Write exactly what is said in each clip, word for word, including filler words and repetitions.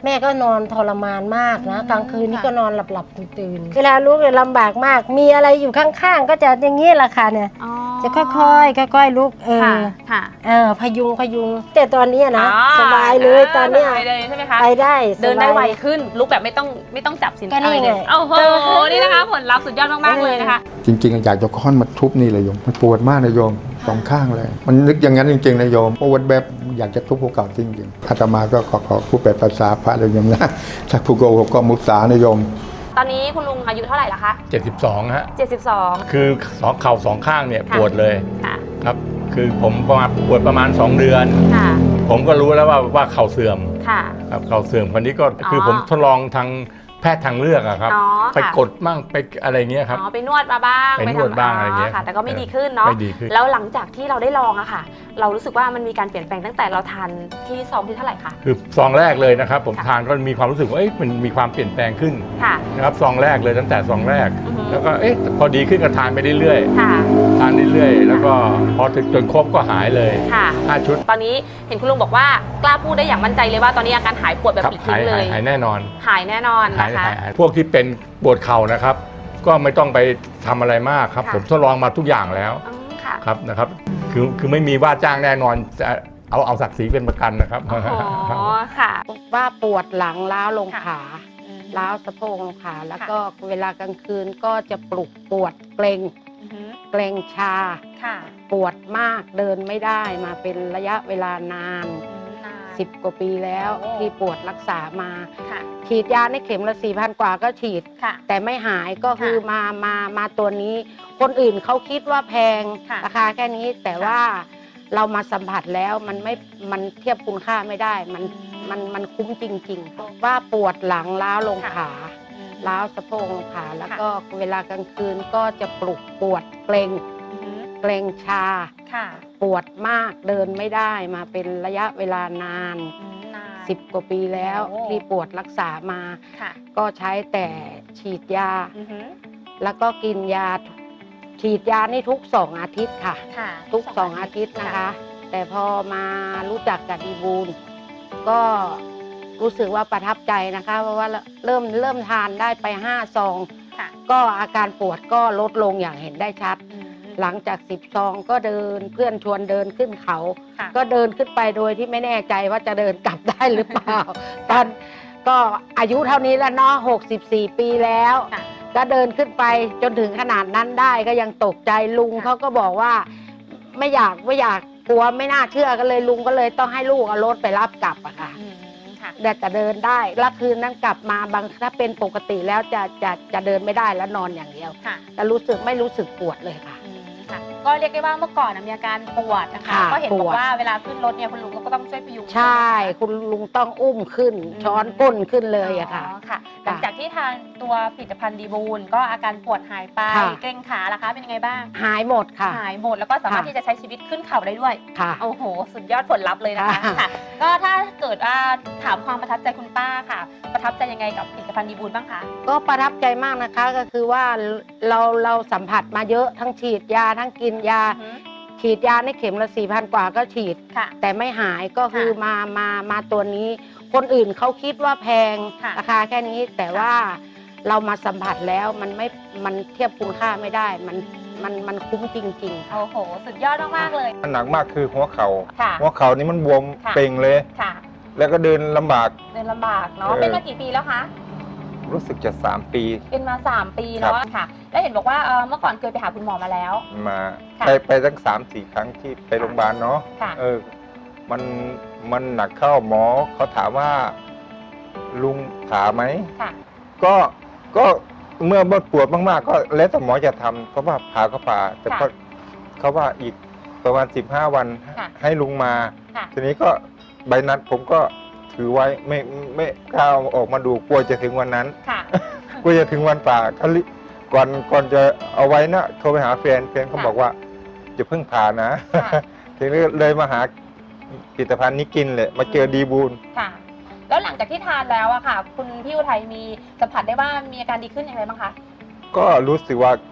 แม่ก็นอนทรมานมากนะกลางคืนนี่ก็นอนหลับหลับตื่นตื่นเวลาลูกเนี่ยลำบากมากมีอะไรอยู่ข้างๆก็จะอย่างนี้แหละค่ะเนี่ยจะค่อยๆค่อยๆลุกเออเออพยุงพยุงแต่ตอนนี้นะสบายเลยตอนเนี้ยใช่ไหมคะไปได้เดินได้ไวขึ้นลุกแบบไม่ต้องไม่ต้องจับสินอะไรเลยโอ้โหนี่นะคะผลลัพธ์สุดยอดมากๆเลยนะคะจริงๆอยากจะค้อนมาทุบนี่เลยโยมมันปวดมากนะโยมสองข้างเลยมันนึกอย่างนั้นจริงๆนะโยมปวดแบบอยากจะทุบภูเขาจริงๆอาตมาก็ขอขอพูดแบบภาษาพระเลยโยมนะถ้าผู้โกหกก็มุสานะโยมตอนนี้คุณลุงอายุเท่าไหร่ละคะเจ็ดสิบสองฮะเจ็ดสิบสองคือสองเข่าสองข้างเนี่ยปวดเลยครับคือผมประมาณปวดประมาณสองเดือนผมก็รู้แล้วว่าว่าเข่าเสื่อมครับเข่าเสื่อมคนนี้ก็คือผมทดลองทางแพทย์ทางเลือกอะครับไปกดมั่งไปอะไรเงี้ยครับไปนวดมาบ้างไปนวดบ้างอะไรเงี้ยแต่ก็ไม่ดีขึ้นเนาะแล้วหลังจากที่เราได้ลองอะค่ะเรารู้สึกว่ามันมีการเปลี่ยนแปลงตั้งแต่เราทานที่ซองที่เท่าไหร่คะคือซองแรกเลยนะครับผมทานก็มีความรู้สึกว่ามันมีความเปลี่ยนแปลงขึ้นนะครับซองแรกเลยตั้งแต่ซองแรกแล้วก็เอ๊ะพอดีขึ้นก็ทานไปเรื่อยๆทานเรื่อยๆแล้วก็พอถึงจนครบก็หายเลยห้าชุดตอนนี้เห็นคุณลุงบอกว่ากล้าพูดได้อย่างมั่นใจเลยว่าตอนนี้อาการหายปวดแบบปลิดทิ้งเลยหายแน่นอนหายแน่นอนนะคะพวกที่เป็นปวดเข่านะครับก็ไม่ต้องไปทำอะไรมากครับผมทดลองมาทุกอย่างแล้วครับนะครับคือคือไม่มีว่าจ้างแน่นอนจะเอาเอาศักดิ์ศรีเป็นประกันนะครับอ๋อค่ะว่าปวดหลังล้าวลงขาล้าวสะโพกลงขาแล้วก็เวลากลางคืนก็จะปลุกปวดเกร็งเกร็งชาปวดมากเดินไม่ได้มาเป็นระยะเวลานานสิบกว่าปีแล้วที่ปวดรักษามาฉีดยาในเข็มละสี่พันกว่าก็ฉีดแต่ไม่หายก็คือมามามาตัวนี้คนอื่นเขาคิดว่าแพงราคาแค่นี้แต่ว่าเรามาสัมผัสแล้วมันไม่มันเทียบคุณค่าไม่ได้มันมันมันคุ้มจริงๆว่าปวดหลังล้าวลงขาล้าวสะโพกลงขาแล้วก็เวลากลางคืนก็จะปลุกปวดเกร็งเกร็งชาปวดมากเดินไม่ได้มาเป็นระยะเวลานานสิบกว่าปีแล้วที่ปวดรักษามาก็ใช้แต่ฉีดยาแล้วก็กินยาฉีดยานี่ทุกสองอาทิตย์ค่ะทุกสองอาทิตย์นะคะแต่พอมารู้จักกับดีบูลก็รู้สึกว่าประทับใจนะคะเพราะว่าเริ่มเริ่มทานได้ไปห้าซองก็อาการปวดก็ลดลงอย่างเห็นได้ชัดหลังจากสิบซองก็เดินเพื่อนชวนเดินขึ้นเขาก็เดินขึ้นไปโดยที่ไม่แน่ใจว่าจะเดินกลับได้หรือเปล่าตอนก็อายุเท่านี้แล้วเนาะหกสิบสี่ปีแล้วก็เดินขึ้นไปจนถึงขนาดนั้นได้ก็ยังตกใจลุงเขาก็บอกว่าไม่อยากไม่อยากกลัวไม่น่าเชื่อก็เลยลุงก็เลยต้องให้ลูกเอารถไปรับกลับอะค่ะแต่จะเดินได้แล้วคืนนั้นกลับมาบางถ้าเป็นปกติแล้วจะจะจะเดินไม่ได้แล้วนอนอย่างเดียวแต่รู้สึกไม่รู้สึกปวดเลยค่ะก็เรียกได้ว่าเมื่อก่อนมีอาการปวดนะคะก็เห็นบอกว่าเวลาขึ้นรถเนี่ยคุณลุงก็ต้องช่วยพยุงใช่คุณลุงต้องอุ้มขึ้นช้อนก้นขึ้นเลยอะค่ะหลังจากที่ทานตัวผลิตภัณฑ์ดีบูลก็อาการปวดหายไปเกร็งขาล่ะคะเป็นยังไงบ้างหายหมดค่ะหายหมดแล้วก็สามารถที่จะใช้ชีวิตขึ้นเขาได้ด้วยค่ะโอ้โหสุดยอดผลลัพธ์เลยนะคะก็ถ้าเกิดว่าถามความประทับใจคุณป้าค่ะประทับใจยังไงกับผลิตภัณฑ์ดีบูลบ้างคะก็ประทับใจมากนะคะก็คือว่าเราเราสัมผัสมาเยอะทั้งฉีดยาทั้งกินยาฉีดยาในเข็มละสี่พันกว่าก็ฉีดแต่ไม่หายก็คือมามามาตัวนี้คนอื่นเขาคิดว่าแพงราคาแค่นี้แต่ว่าเรามาสัมผัสแล้วมันไม่มันเทียบคุณค่าไม่ได้มันมันมันคุ้มจริงๆโอ้โหสุดยอดมากๆเลยหนักมากคือหัวเข่าหัวเข่านี่มันบวมเป่งเลยแล้วก็เดินลำบากเดินลำบากเนาะเป็นมากี่ปีแล้วคะรู้สึกจะสามปีเป็นมาสามปีเนาะค่ะแล้วเห็นบอกว่าเมื่อก่อนเคยไปหาคุณหมอมาแล้วมาไปไปตั้งสามสี่ครั้งที่ไปโรงพยาบาลเนาะเออมันมันหนักเข้าหมอเขาถามว่าลุงผ่าไหมก็ก็เมื่อปวดมากๆก็แล้วแต่หมอจะทำเพราะว่าผ่าก็ผ่าแต่ก็เขาว่าอีกประมาณสิบห้าวันให้ลุงมาทีนี้ก็ใบนัดผมก็ถือไว้ไม่ไม่กล้าออกมาดูกลัวจะถึงวันนั้นกลัวจะถึงวันป่าก่อนก่อนจะเอาไว้นะโทรไปหาแฟนแฟนเขาบอกว่าจะเพิ่งผ่านะทีนี้เลยมาหาผลิตภัณฑ์นี้กินเลยมาเจอดีบูลค่ะแล้วหลังจากที่ทานแล้วอะค่ะคุณพี่อุทัยมีสัมผัสได้ว่ามีอาการดีขึ้นอย่างไรบ้างคะก็รู้สึกว่า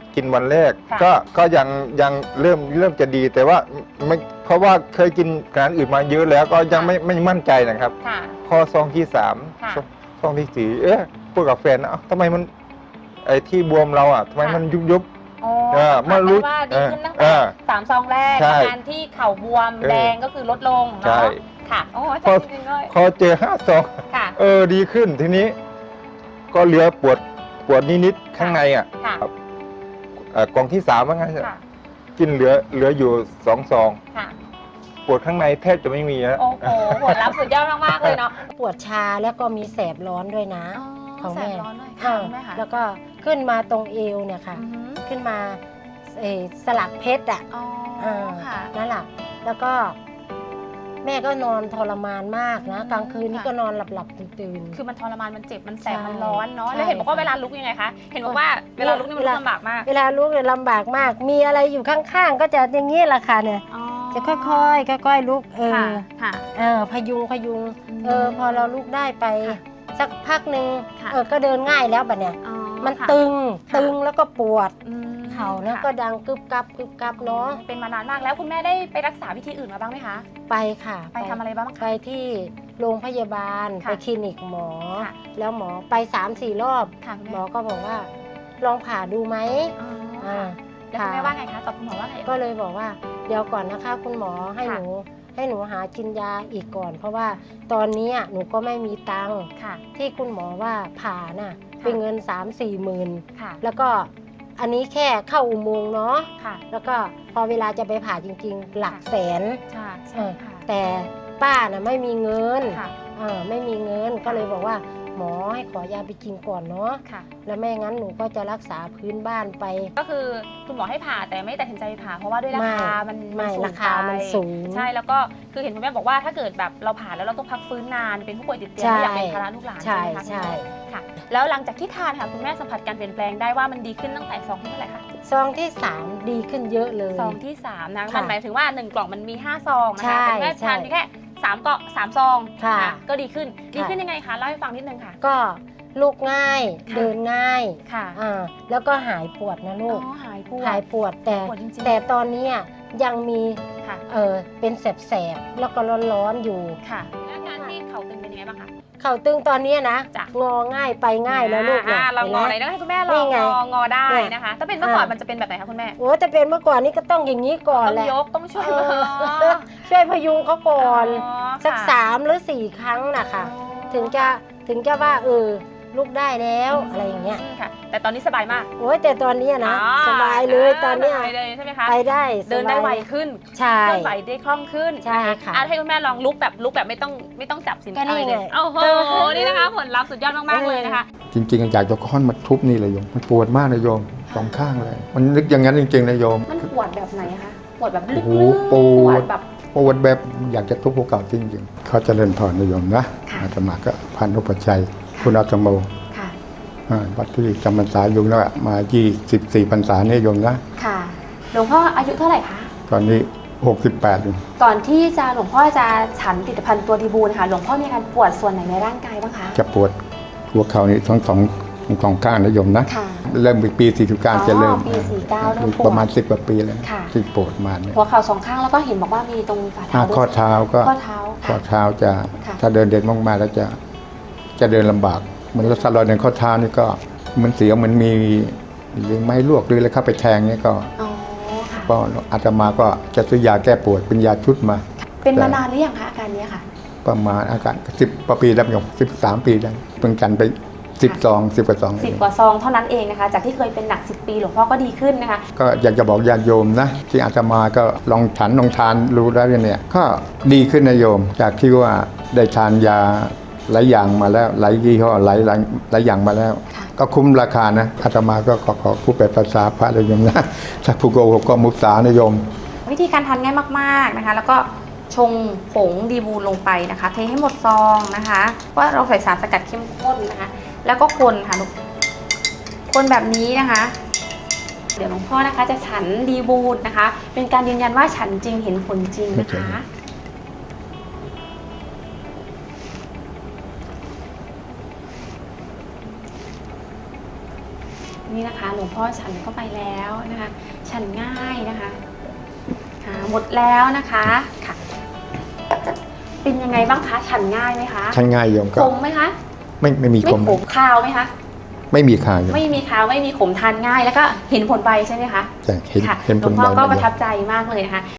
กินวันแรกค่ะก็ก็ยังยังเริ่มเริ่มจะดีแต่ว่าไม่เพราะว่าเคยกินร้านอื่นมาเยอะแล้วก็ยังไม่ไม่มั่นใจนะครับค่ะพอซองที่สามค่ะซองซองที่สี่เอ๊ะพูดกับแฟนนะเอ้าทำไมมันไอ้ที่บวมเราอ่ะทำไมมันยุบยุบอ๋อเออสัมผัสเมื่อรู้ได้ว่าดีขึ้นตั้งเอแต่อสามซองแรกใช่อาการที่เข่าบวมเออแดงก็คือลดลงใช่เนาะค่ะโอ้อาพอจารย์จริงๆเลยพอเจอห้าซองค่ะเออดีขึ้นทีนี้ ก็เหลือปวดปวดนิดๆข้างในอ่ะค่ะเอ่อกล่องที่สามว่าไงค่ะกินเหลือเหลืออยู่สองซองค่ะปวดข้างในแทบจะไม่มีแล้วโอ้โหผลลัพธ์สุดยอดมากๆเลยเนาะปวดชาแล้วก็มีแสบร้อนด้วยนะ ของแสแม่บร้อนด้วยค่ะคุณแม่ค่ะแล้วก็ขึ้นมาตรงเอวเนี่ยค่ะอือหือขึ้นมาเอ่อสลักเพชรอ่ะอ๋ออ่าค่ะนั่นแหละแล้วก็แม่ก็นอนทรมานมากนะอืมกลางคืนนี่ค่ะก็นอนหลับหลับๆตื่นตื่นคือมันทรมานมันเจ็บมันแสบใช่มันร้อนเนาะใช่แล้วเห็นบอกว่าเวลาลุกยังไงคะเห็นบอกว่าเวลาลุกนี่มันเวลาลำบากมากเวลาลุกเนี่ยลำบากมาก มีอะไรอยู่ข้างๆ ก็จะอย่างนี้แหละค่ะเนี่ยอ๋อจะค่อยๆค่อยๆลุกเอค่ะอค่ะเออพยุงพยุงอืมเออพอเราลุกได้ไปค่ะสักพักหนึ่งค่ะเออก็เดินง่ายแล้วบัดเนี่ยอ๋อมันค่ะตึงค่ะตึงแล้วก็ปวดอืมเข่าแล้วค่ะก็ดังกึบกับกึบกับเนาะเป็นมานานมากแล้วคุณแม่ได้ไปรักษาวิธีอื่นมาบ้างไหมคะไปค่ะไปทำอะไรบ้างไปคะที่โรงพยาบาลค่ะไปคลินิกหมอค่ะแล้วหมอไปสามสี่รอบค่ะคุณหมแม่อก็บอกว่า ลองผ่าดูไหมอ๋ออ่าค่ะแล้วคุณแม่ว่าไงคะตอบคุณหมอว่าไงก็เลยบอกว่า เดี๋ยวก่อนนะคะ คุณหมอให้ค่ะหนูให้หนูหากินยาอีกก่อน เพราะว่าตอนนี้หนูก็ไม่มีตังค์ค่ะที่คุณหมอว่าผ่าน่ะเป็นเงินสามสี่หมื่นค่ะแล้วก็อันนี้แค่เข้าอุโมงค์เนาะค่ะแล้วก็พอเวลาจะไปผ่าจริงๆ หลักแสนใช่เอใช่อค่ะแต่ป้าน่ะไม่มีเงินค่ะเออไม่มีเงินก็เลยบอกว่า หมอให้ขอยาไปกินก่อนเนาะค่ะแล้วไม่งั้นหนูก็จะรักษาพื้นบ้านไปก็คือคุณหมอให้ผ่าแต่ไม่ตัดสินใจผ่าเพราะว่าด้วยราคามันไม่นสูงราคามันไปสูงใช่แล้วก็คือเห็นคุณแม่บอกว่าถ้าเกิดแบบเราผ่าแล้วเราต้องพักฟื้นนานเป็นผู้ป่วยติดเตียงใช่ไม่อยากเป็นภาระลูกหลานใช่ใช่ไหมคะใช่ค่ะ แล้วหลังจากที่ทานค่ะคุณแม่สัมผัสการเปลี่ยนแปลงได้ว่ามันดีขึ้นตั้งแต่ซองที่เท่าไหร่คะซองที่สามดีขึ้นเยอะเลยซองที่สามนะค่ะมันหมายถึงว่าหนึ่งกล่องมันมีห้าซองนะใช่คะแต่คุณแม่ใช่ทานเพียงแค่สามเกาะสามซองค่ะนก็ดีขึ้นดีค่ะขึ้นยังไงคะเล่าให้ฟังนิดนึงค่ะก็ลุกง่ายค่ะเดินง่ายค่ะอ่าแล้วก็หายปวดนะอ๋ลูกอหายปวดหายปวดแต่ปวดจริงๆแต่ตอนเนี้ยยังมีค่ะเออเป็นแสบๆแล้วก็ร้อนๆอยู่ค่ะแล้วอาการที่เข่าตึงเป็นยังไงบ้างคะเข่าตึงตอนเนี้ยนะจ้ะงอง่ายไปง่ายแล้วลูกอ่านะเรางอไหนห็นต้ไหมองให้คุณแม่ลนี่องไงงองอได้เนี่ยนะคะ ถ้าเป็นเมื่อก่อนอ่ามัมันจะเป็นแบบไหนคะคุณแม่โอ้แต่เป็นเมื่อก่อนนี้ก็ต้องอย่างนี้ก่อนต้องแหละยกต้องช่วยเอออ๋อช่วยพยุงเขาก่อนอ๋อสักค่ะสามหรือสี่ครั้งนะคะอ๋อถึงจะถึงจะว่าเออลุกได้แล้วอะไรอย่างเงี้ยค่ะ แต่ตอนนี้สบายมากโอ้ยแต่ตอนเนี้ยนะอ๋อสบายเลยตอนเนี้ยสบายเลยใช่ไหมคะไปได้เดินได้สบายไวขึ้นใช่เคลื่อนไหวได้คล่องขึ้นใช่ค่ะอ่ให้คุณแม่ลองลุกแบบลุกแบบไม่ต้องไม่ต้องจับสินก็นี่อะไรเลยไงโอ้โหนี่นะคะผลลัพธ์สุดยอดมากๆเลยนะคะจริงๆอยากจะค้อนมาทุบนี่เลยโยม มันปวดมากนะโยมสองข้างเลย มันนึกอย่างนั้นจริงๆนะโยมมันปวดแบบไหนคะปวดแบบลึกโอ้โหๆปวดแบบปวดแบบอยากจะทุบภูเขาจริงๆเขาเจะเล่นพรนะโยมนะค่ะอาตมาก็พันธุปชชัยคุณอาตโมค่ะอ่าวัดที่จำพรรษาอยู่แล้วมายี่สิบสี่พรรษาเนี่ยโยมนะค่ะหลวงพ่ออายุเท่าไหร่คะตอนนี้หกสิบแปดอยู่ก่อนที่จะหลวงพ่อจะฉันผลิตภัณฑ์ตัวดีบูลค่ะหลวงพ่อมีอาการปวดส่วนไหนในร่างกายบ้างคะจะปวดหัวเข่านี่ทั้งสองทั้งสองข้างนะโยมนะค่ะเริ่มปีสี่สิบเก้าจะเริ่มอ๋อปีสี่สิบเก้าเริ่มปวดประมาณสิบกว่าปีแล้วค่ะที่ปวดมาเนี่ยหัวเข่าสองข้างแล้วก็เห็นบอกว่ามีตรงฝ่าอ่าเท้าข้อด้วยเท้าก็ข้อเท้าข้อค่ะเท้าจะค่ะถ้าเดินเด่นมากๆแล้วจะจะเดินลำบากเหมือนรถสลอยในข้อเท้านี่ก็เหมันเสียวเหมันมีหรือไม้ลวกหรืออะไรเข้าไปแทงเนี่ยก็อ๋อค่ะก็อาตมาก็จะซื้อยาแก้ปวดเป็นยาชุดมาเป็นมานานหรือยังคะอาการเนี้ยค่ะประมาณอาการสิบปีแล้วโยมสิบสามปีแล้วเพิ่งกันไปสิบสองสิบกว่าสองสิบกว่าซองเท่านั้นเองนะคะ จากที่เคยเป็นหนักสิบปีหลวงพ่อก็ดีขึ้นนะคะก็อยากจะบอกญาติโยมนะที่อาตมาก็ลองฉันลองทานรู้แล้วเนี่ยก็ดีขึ้นนะโยม จากที่ว่าได้ทานยาหลายอย่างมาแล้วหลายยี่ห้อหลายหลายหลายอย่างมาแล้วค่ะก็คุ้มราคานะอาตมาก็ขอขอผู้แปลภาษาพระเลยโยมนะถ้าผู้โกหกก็มุสานะโยมวิธีการทานง่ายมากๆนะคะ แล้วก็ชงผงดีบูลลงไปนะคะ เทให้หมดซองนะคะว่าเราใส่สารสกัดเข้มข้นนะคะ แล้วก็คนค่ะลูกคนแบบนี้นะคะ เดี๋ยวหลวงพ่อนะคะจะฉันดีบูลนะคะ เป็นการยืนยันว่าฉันจริงเห็นผลจริงนะคะอนี่นะคะหลวงพ่อฉันก็ไปแล้วนะคะ ฉันง่ายนะคะค่ะหมดแล้วนะคะค่ะ เป็นยังไงบ้างคะ ฉันง่ายไหมคะฉันง่ายโยมก็ขมไหมคะไม่ไม่มีไม่ขมขมคาวไหมคะไม่มีคาโยมไม่มีคาวไม่มีขมทานง่าย แล้วก็เห็นผลใบใช่ไหมคะใช่เห็นค่ะเห็นหผลวลงพ่อใบก็มาประเยทัอะบใจมากเลยนะคะ